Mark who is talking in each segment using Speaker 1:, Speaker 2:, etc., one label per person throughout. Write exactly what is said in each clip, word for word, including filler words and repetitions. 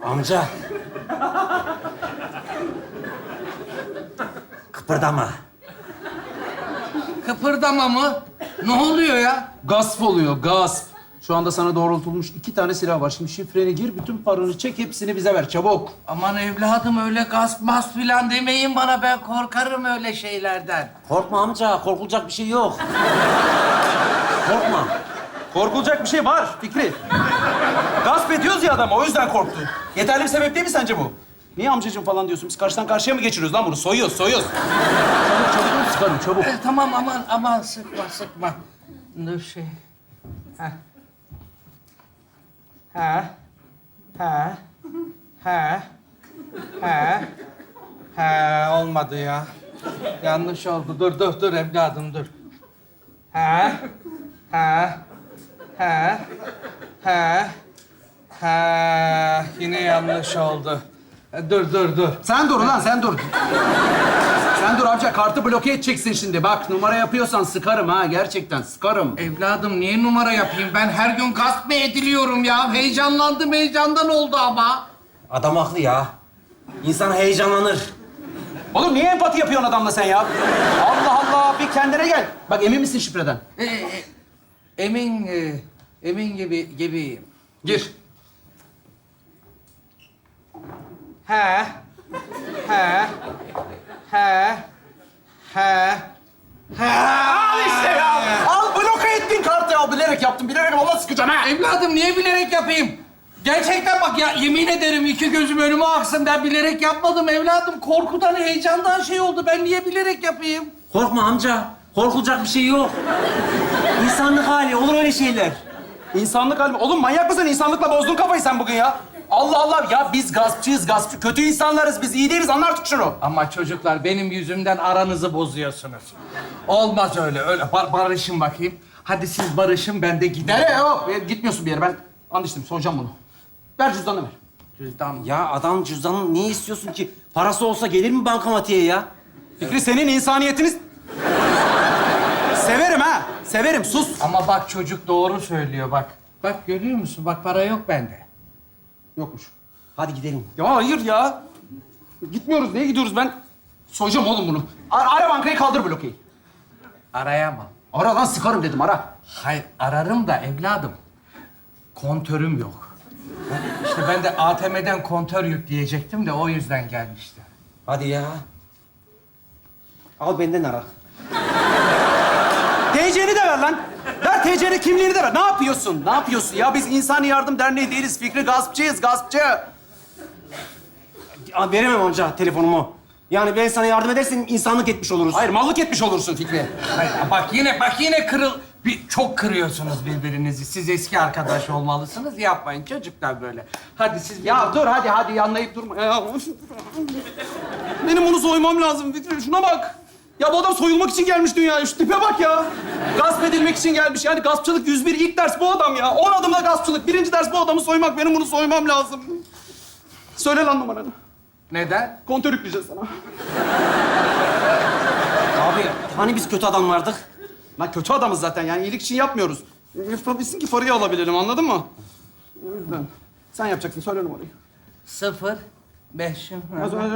Speaker 1: Amca. Kıpırdama.
Speaker 2: Kıpırdama mı? Ne oluyor ya?
Speaker 3: Gasp oluyor, gasp. Şu anda sana doğrultulmuş iki tane silah var. Şimdi şifreni gir, bütün paranı çek, hepsini bize ver. Çabuk.
Speaker 2: Aman evladım öyle gasp mas filan demeyin bana. Ben korkarım öyle şeylerden.
Speaker 1: Korkma amca, korkulacak bir şey yok. Korkma.
Speaker 3: Korkulacak bir şey var Fikri. Gasp ediyoruz ya adamı, o yüzden korktu. Yeterli bir sebep değil mi sence bu? Niye amcacığım falan diyorsun? Biz karşıdan karşıya mı geçiriyoruz lan bunu? Soyuyoruz, soyuyoruz. Çabuk, çabuk sıkarım, çabuk.
Speaker 2: E, tamam aman aman sıkma sıkma. Dur şey. Ha. Ha. Ha. Ha. Ha. Ha. Olmadı ya. Yanlış oldu. Dur dur dur evladım dur. Ha. Ha. Ha. Ha. Ha. Yine yanlış oldu. E, Dur dur dur.
Speaker 3: Sen dur ulan, sen dur. Sen dur amca, kartı bloke edeceksin şimdi. Bak, numara yapıyorsan sıkarım ha, gerçekten sıkarım.
Speaker 2: Evladım niye numara yapayım? Ben her gün gasp mı ediliyorum ya? Heyecanlandım, heyecandan oldu ama.
Speaker 1: Adam haklı ya. İnsan heyecanlanır.
Speaker 3: Oğlum niye empati yapıyorsun adamla sen ya? Allah Allah, bir kendine gel. Bak, emin misin şifreden?
Speaker 2: Ee, e, emin, e, emin gibi gibiyim.
Speaker 3: Gir.
Speaker 2: Ha, ha, ha, ha, ha.
Speaker 3: Al işte ya. Al, bloke ettin kartı ya. Bilerek yaptım, bilerek valla sıkacağım ha.
Speaker 2: Evladım niye bilerek yapayım? Gerçekten bak ya yemin ederim iki gözüm önüme aksın. Ben bilerek yapmadım evladım. Korkudan, heyecandan şey oldu. Ben niye bilerek yapayım?
Speaker 1: Korkma amca. Korkulacak bir şey yok. İnsanlık hali, olur öyle şeyler.
Speaker 3: İnsanlık halimi. Oğlum manyak mısın? İnsanlıkla bozdun kafayı sen bugün ya. Allah Allah. Ya biz gaspçıyız, gaspçı. Kötü insanlarız biz. İyi değiliz. Anla artık şunu.
Speaker 2: Ama çocuklar benim yüzümden aranızı bozuyorsunuz. Olmaz öyle, öyle. Bar- barışın bakayım. Hadi siz barışın, ben de giderim.
Speaker 3: Nereye yok? E, Gitmiyorsun bir yere. Ben anlaştım. Soracağım bunu. Ver cüzdanını ver.
Speaker 2: Cüzdan.
Speaker 1: Ya adam cüzdanını niye istiyorsun ki? Parası olsa gelir mi bankamatiğe ya?
Speaker 3: Fikri, senin insaniyetiniz... Severim ha. Severim. Sus.
Speaker 2: Ama bak çocuk doğru söylüyor bak. Bak görüyor musun? Bak para yok bende.
Speaker 3: Yokmuş.
Speaker 1: Hadi gidelim.
Speaker 3: Ya hayır ya. Gitmiyoruz. Niye gidiyoruz? Ben soyacağım oğlum bunu. Ara, ara bankayı, kaldır blokeyi.
Speaker 2: Arayamam.
Speaker 3: Ara lan, sıkarım dedim, ara.
Speaker 2: Hayır ararım da evladım. Kontörüm yok. İşte ben de A T M'den kontör yükleyecektim de o yüzden gelmişti.
Speaker 1: Hadi ya. Al benden ara.
Speaker 3: T C'ni de ver lan. Ver T C'ni, kimliğini de ver. Ne yapıyorsun? Ne yapıyorsun ya? Biz İnsani Yardım Derneği değiliz. Fikri, gaspçıyız, gaspçı.
Speaker 1: Ya, veremem amca telefonumu. Yani ben sana yardım edersem insanlık etmiş oluruz.
Speaker 3: Hayır, mallık etmiş olursun Fikri.
Speaker 2: Hayır bak yine bak yine kırıl... Bir, çok kırıyorsunuz birbirinizi. Siz eski arkadaş olmalısınız. Yapmayın çocuklar böyle. Hadi siz...
Speaker 3: Ya dur, hadi hadi yanlayıp durma. Ya. Benim onu soymam lazım Fikri. Şuna bak. Ya bu adam soyulmak için gelmiş dünyaya. Şu tipe bak ya. Gasp edilmek için gelmiş. Yani gaspçılık yüz bir ilk ders bu adam ya. On adımda gaspçılık. Birinci ders bu adamı soymak. Benim bunu soymam lazım. Söyle lan numaranı.
Speaker 2: Neden?
Speaker 3: Kontör yükleyeceğiz sana.
Speaker 1: Abi hani biz kötü adamlardık?
Speaker 3: Lan kötü adamız zaten, yani iyilik için yapmıyoruz. Yapabilsin ki parayı alabilelim, anladın mı? O yüzden. Sen yapacaksın, söyle numarayı.
Speaker 2: Sıfır. Beş.
Speaker 3: Az önce-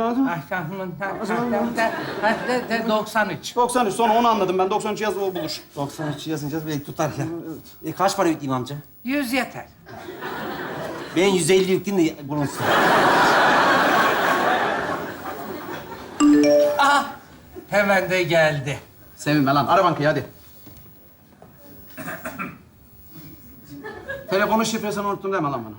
Speaker 2: doksan üç.
Speaker 3: doksan üç, sonra onu anladım ben. doksan üç yaz, o bulur.
Speaker 1: doksan üç yazınca belki tutar ya. E, kaç para yükleyeyim amca?
Speaker 2: Yüz yeter.
Speaker 1: Ben yüz elli yükleyeyim de bulunsun.
Speaker 2: Aha! Hemen de geldi.
Speaker 3: Sevinme lan, ara bankayı hadi. Telefonun şifresini unuttum deme lan bana.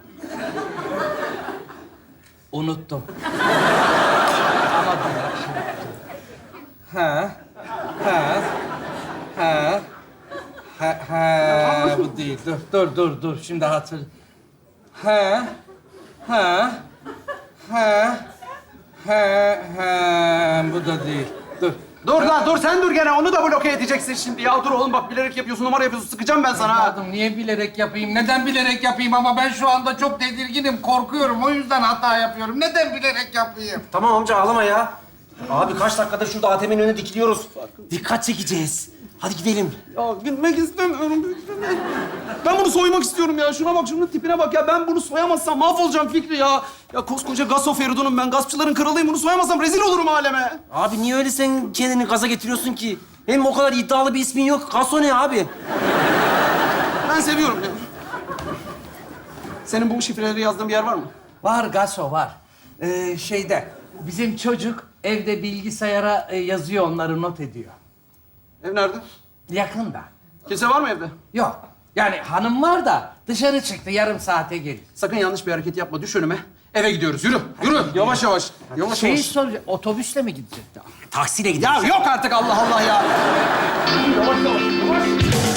Speaker 2: Unuttum. Ama bak şimdi. Ha, ha, ha, ha, ha. Bu değil. Dur, dur, dur, dur. Şimdi hatır. Ha, ha, ha, ha, ha. Bu da değil. Dur.
Speaker 3: Dur lan, dur sen dur gene. Onu da bloke edeceksin şimdi ya. Dur oğlum bak, bilerek yapıyorsun, numara yapıyorsun. Sıkacağım ben sana. ha.
Speaker 2: Evladım niye bilerek yapayım? Neden bilerek yapayım? Ama ben şu anda çok tedirginim, korkuyorum. O yüzden hata yapıyorum. Neden bilerek yapayım?
Speaker 1: Tamam amca ağlama ya. Abi kaç dakikadır şurada A T M'nin önüne dikiliyoruz. Dikkat çekeceğiz. Hadi gidelim.
Speaker 3: Ya gitmek istemiyorum. Ben bunu soymak istiyorum ya. Şuna bak, şunun tipine bak ya. Ben bunu soyamazsam mahvolacağım Fikri ya. Ya koskoca Gaso Feridun'um ben. Gaspçıların kralıyım. Bunu soyamazsam rezil olurum aleme.
Speaker 1: Abi niye öyle sen kendini gaza getiriyorsun ki? Hem o kadar iddialı bir ismin yok. Gaso ne abi?
Speaker 3: Ben seviyorum ya. Senin bu şifreleri yazdığın bir yer var mı?
Speaker 2: Var Gaso var. Ee, şeyde bizim çocuk evde bilgisayara e, yazıyor, onları not ediyor.
Speaker 3: Ev nerede?
Speaker 2: Yakında.
Speaker 3: Kimse var mı evde?
Speaker 2: Yok. Yani hanım var da dışarı çıktı, yarım saate gelir.
Speaker 3: Sakın yanlış bir hareket yapma. Düş önüme. Eve gidiyoruz. Yürü. Yürü. Yavaş yavaş. Yavaş
Speaker 2: Şeyi
Speaker 3: yavaş.
Speaker 2: soracak, otobüsle mi gidecekti?
Speaker 1: Taksiyle
Speaker 3: Ya
Speaker 1: gidelim.
Speaker 3: yok artık Allah Allah ya. Yavaş yavaş. Yavaş.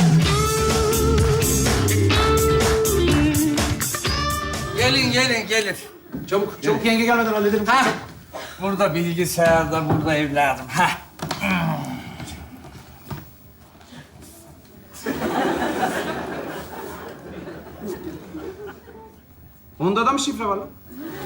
Speaker 2: Gelin, gelin, gelin.
Speaker 3: Çabuk. Çabuk yenge gelmeden hallederim.
Speaker 2: Ha, burada bilgisayarda, burada evladım. Ha.
Speaker 3: Onda da mı şifre var lan?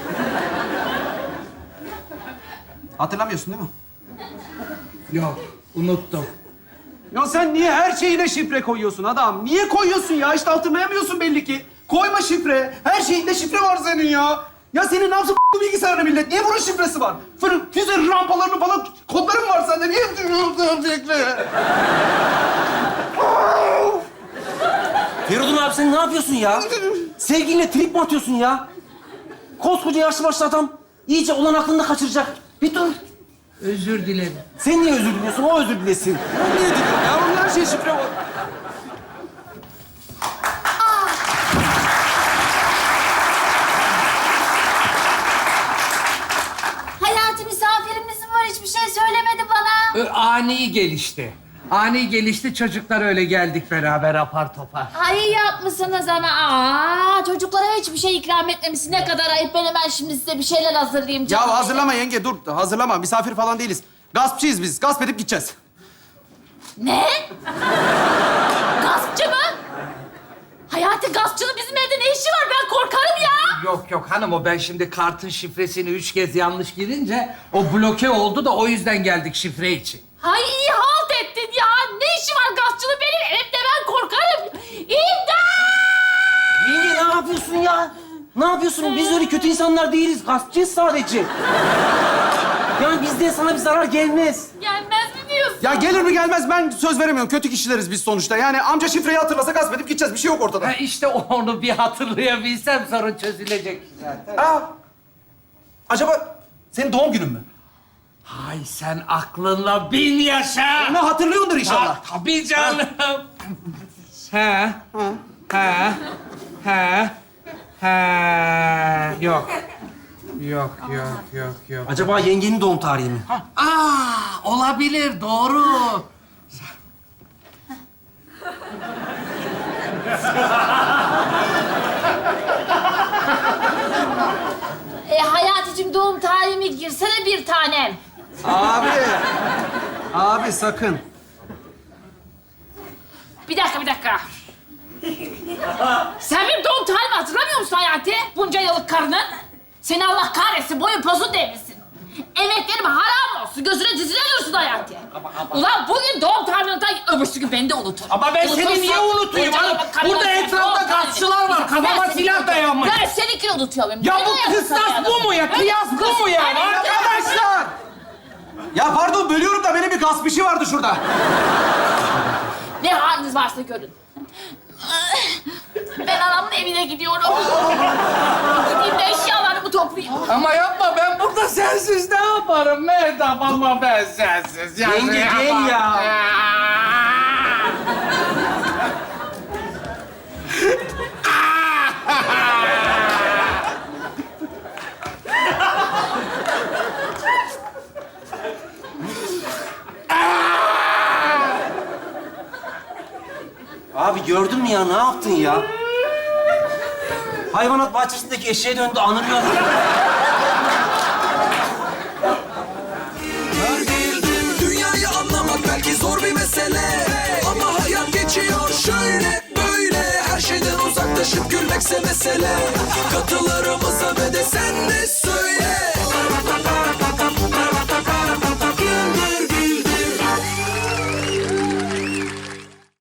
Speaker 3: Hatırlamıyorsun değil mi?
Speaker 2: Yok, unuttum.
Speaker 3: Ya sen niye her şeyine şifre koyuyorsun adam? Niye koyuyorsun ya? İşte hatırlayamıyorsun belli ki. Koyma şifre. Her şeyinde şifre var senin ya. Ya senin ne yapsın bu bilgisayarına millet? Niye bunun şifresi var? Fırın, füze rampalarını falan kodların var sende. Niye yapıyorsun şifre?
Speaker 1: Feridun abi sen ne yapıyorsun ya? Sevgilinle trip mi atıyorsun ya? Koskoca yaşlı başlı adam iyice olan aklını kaçıracak. Bir dur.
Speaker 2: Özür dilerim.
Speaker 1: Sen niye özür diliyorsun? O özür dilesin.
Speaker 3: Niye diyorsun ya? Onun her şey şifre var.
Speaker 4: Hayati misafirimiz mi var? Hiçbir şey söylemedi bana.
Speaker 2: Ö, Ani gelişti. Ani gelişti, çocuklar öyle geldik beraber apar topar.
Speaker 4: Ay iyi yapmışsınız ama. Aa, çocuklara hiçbir şey ikram etmemişsin. Ne kadar ayıp. Ben hemen şimdi size bir şeyler hazırlayayım. canım.
Speaker 3: Ya hazırlama yenge dur. Hazırlama. Misafir falan değiliz. Gaspçıyız biz. Gasp edip gideceğiz.
Speaker 4: Ne? Gaspçı mı? Hayati gaspçının bizim evde ne işi var? Ben korkarım ya.
Speaker 2: Yok yok hanım, o ben şimdi kartın şifresini üç kez yanlış girince o bloke oldu da o yüzden geldik şifre için.
Speaker 4: Hay iyi halt ettin ya. Ne işi var gaspçının benim evde? Ben korkarım. İmdat!
Speaker 1: Yenge ne yapıyorsun ya? Ne yapıyorsun? Biz öyle kötü insanlar değiliz. Gaspçıyız sadece. Yani bizden sana bir zarar gelmez.
Speaker 4: Gelmez mi diyorsun?
Speaker 3: Ya gelir mi gelmez ben söz veremiyorum. Kötü kişileriz biz sonuçta. Yani amca şifreyi hatırlasa gasp edip gideceğiz. Bir şey yok ortada.
Speaker 2: Ha işte onu bir hatırlayabilsem sorun çözülecek zaten.
Speaker 3: Aa, acaba senin doğum günün mü?
Speaker 2: Hay sen aklınla bin yaşa.
Speaker 3: Onu hatırlıyordur inşallah.
Speaker 2: Ha, tabii canım. Ha. Ha. Ha. Ha. Yok. Yok, yok, yok, yok.
Speaker 1: Acaba yengenin doğum tarihi mi?
Speaker 2: Aa, olabilir, doğru.
Speaker 4: E, Hayaticim doğum tarihimi girsene bir tanem.
Speaker 3: Abi. Abi sakın.
Speaker 4: Bir dakika, bir dakika. Sen benim doğum tarihimi hatırlamıyor musun Hayati? Bunca yıllık karının. Seni Allah kahretsin, boyun posun devrilsin. Emeklerim haram olsun, gözüne dizine dursun Hayati. Ulan bugün doğum tarihini unutan, öbürsü gün beni de unutur.
Speaker 2: Ama ben seni niye unutayım hanım? Burada etrafta gaspçılar var, kafama silah dayanmış.
Speaker 4: Ben seninkini unutuyorum.
Speaker 2: Ya
Speaker 4: Beni
Speaker 2: bu
Speaker 4: unutuyorsun
Speaker 2: kıstas
Speaker 4: Hayati.
Speaker 2: bu mu ya? Kıyas bu mu ya?
Speaker 4: Evet,
Speaker 2: Arkadaşlar!
Speaker 3: Ya pardon bölüyorum da benim bir gasp işi vardı şurada.
Speaker 4: Ne haliniz varsa görün. Ben anamın evine gidiyorum. Gideyim de eşyalarımı toplayayım.
Speaker 2: Ama yapma, ben burada sensiz ne yaparım Mehtap, ama ben sensiz. Ya
Speaker 1: Yenge,
Speaker 2: yapamam.
Speaker 1: gel ya. Abi gördün mü ya? Ne yaptın ya? Hayvanat bahçesindeki eşeğe döndü, anırıyor.
Speaker 5: Dünyayı anlamak belki zor bir mesele, ama hayat geçiyor şöyle böyle. Her şeyden uzaklaşıp gülmekse mesele. Katılırım